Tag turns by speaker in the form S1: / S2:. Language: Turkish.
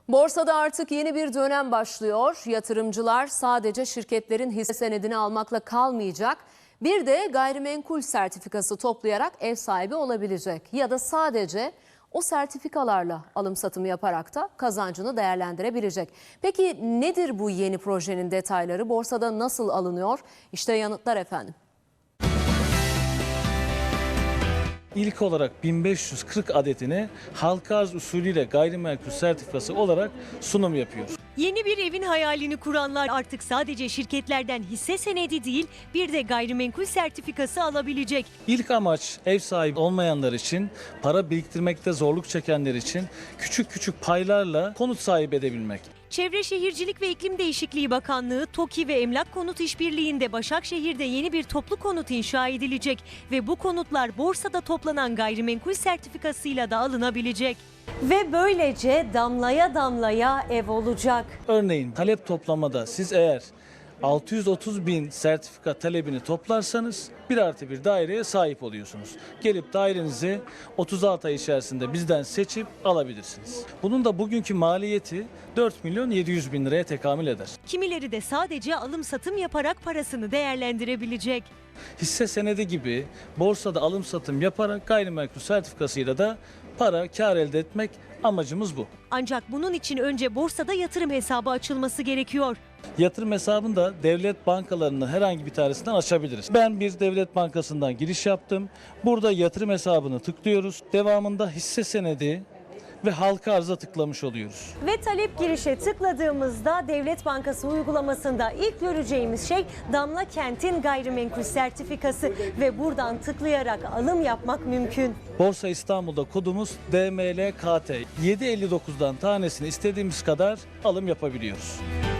S1: Borsada artık yeni bir dönem başlıyor. Yatırımcılar sadece şirketlerin hisse senedini almakla kalmayacak. Bir de gayrimenkul sertifikası toplayarak ev sahibi olabilecek. Ya da sadece o sertifikalarla alım satım yaparak da kazancını değerlendirebilecek. Peki nedir bu yeni projenin detayları? Borsada nasıl alınıyor? İşte yanıtlar efendim.
S2: İlk olarak 1540 adetini halka arz usulüyle gayrimenkul sertifikası olarak sunum yapıyor.
S3: Yeni bir evin hayalini kuranlar artık sadece şirketlerden hisse senedi değil, bir de gayrimenkul sertifikası alabilecek.
S2: İlk amaç ev sahibi olmayanlar için, para biriktirmekte zorluk çekenler için küçük küçük paylarla konut sahibi edebilmek.
S3: Çevre Şehircilik ve İklim Değişikliği Bakanlığı, TOKİ ve Emlak Konut İşbirliği'nde Başakşehir'de yeni bir toplu konut inşa edilecek ve bu konutlar borsada toplanan gayrimenkul sertifikasıyla da alınabilecek. Ve böylece damlaya damlaya ev olacak.
S2: Örneğin talep toplamada siz eğer 630 bin sertifika talebini toplarsanız 1+1 daireye sahip oluyorsunuz. Gelip dairenizi 36 ay içerisinde bizden seçip alabilirsiniz. Bunun da bugünkü maliyeti 4 milyon 700 bin liraya tekamül eder.
S3: Kimileri de sadece alım satım yaparak parasını değerlendirebilecek.
S2: Hisse senedi gibi borsada alım satım yaparak gayrimenkul sertifikasıyla da kar elde etmek amacımız bu.
S3: Ancak bunun için önce borsada yatırım hesabı açılması gerekiyor.
S2: Yatırım hesabını da devlet bankalarının herhangi bir tanesinden açabiliriz. Ben bir devlet bankasından giriş yaptım. Burada yatırım hesabını tıklıyoruz. Devamında hisse senedi ve halka arza tıklamış oluyoruz.
S3: Ve talep girişe tıkladığımızda Devlet Bankası uygulamasında ilk göreceğimiz şey Damla Kent'in gayrimenkul sertifikası ve buradan tıklayarak alım yapmak mümkün.
S2: Borsa İstanbul'da kodumuz DMLKT. 7.59'dan tanesini istediğimiz kadar alım yapabiliyoruz.